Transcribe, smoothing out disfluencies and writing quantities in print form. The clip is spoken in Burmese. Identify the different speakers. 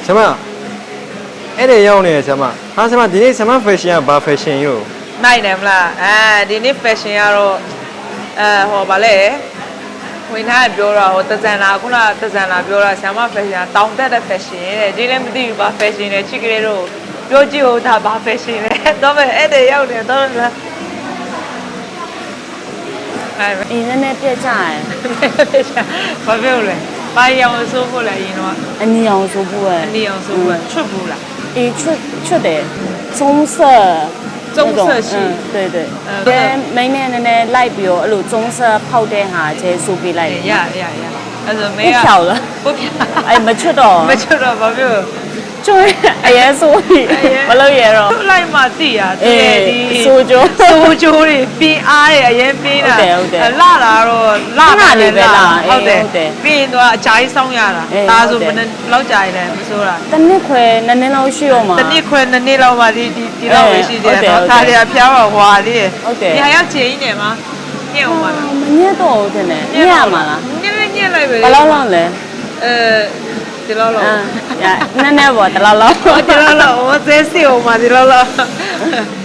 Speaker 1: 什么？အဲ့ဒါရောက်နေတယ်ဆရာမဟာဆရာမဒီနေ့ဆရာမ fashion ကဘာ fashion ရော
Speaker 2: နိုင်တယ်မလားဒီနေ့ fashion ကတော့ဟောဗာလဲဝင်ထားပြောတာဟိုတဇန်လာခုနတဇန်လာပြောတာဆရာမ fashion တောင်းတက်တဲ့ fashion တဲ့ဒီလည်းမသိဘူးဘာ fashion လဲချစ်ကလေးတို့ပြောကြည့်ဦးဒါဘာ fashion လဲတော့ပဲအဲ့ဒါရောက်နေတော့လား
Speaker 3: 你那边别炸哎，
Speaker 2: ဘာပြောလဲဘာရောင်ဆိုးဖို့လဲရင်တော့
Speaker 3: 你要说不哎，
Speaker 2: 你ရောင်ဆိုးဖို့ချွတ်ဘူးလား
Speaker 3: 出的棕色，
Speaker 2: 棕色系
Speaker 3: 对对，跟每年的来表，路棕色泡的哈，这手臂来的，
Speaker 2: 呀အဲ့ဆိုမေး
Speaker 3: 不漂了，
Speaker 2: 不漂
Speaker 3: 哎，没出到，
Speaker 2: မချွတ်တော့ဘာပြော
Speaker 3: 就哎呀，所以不漏嘢咯，
Speaker 2: လိုက်မှသိရတကယ်ဒီ
Speaker 3: 苏州，
Speaker 2: စိုးကျိုးတွေပြင်းအားတွေအရင်ပြင်းတာလာတာတော့လာတယ်ဟုတ်တယ်ပြီးရင်တော့အကြိုင်းဆောင်ရတာဒါဆိုဘယ်နဲ့လောက်ကြာရင်လဲမစိုးတာ
Speaker 3: 等你快，那你老需要嘛？
Speaker 2: တစ်နှစ်ခွဲနှစ်နှစ်လောက်မှဒီလောက်ပဲရှိသေးတယ်နော်ဒါတွေကဖျားတော့ဟွာသေးတယ်ဒီဟာရောက်ချင်နေမှာညက်အောင်ပါလား
Speaker 3: မညက်တော့ဘူးတဲ့ညက်ရမှာလား
Speaker 2: ညက်လိုက်ပဲ
Speaker 3: ဘယ်လောက်လောက်လဲ
Speaker 2: ဒီလောက်လောက်
Speaker 3: နည်းနည်းပေါ့တလောက်လောက်
Speaker 2: ဒီလောက်လောက်ဟိုသေးစီအောင်ပါဒီလောက်လောက်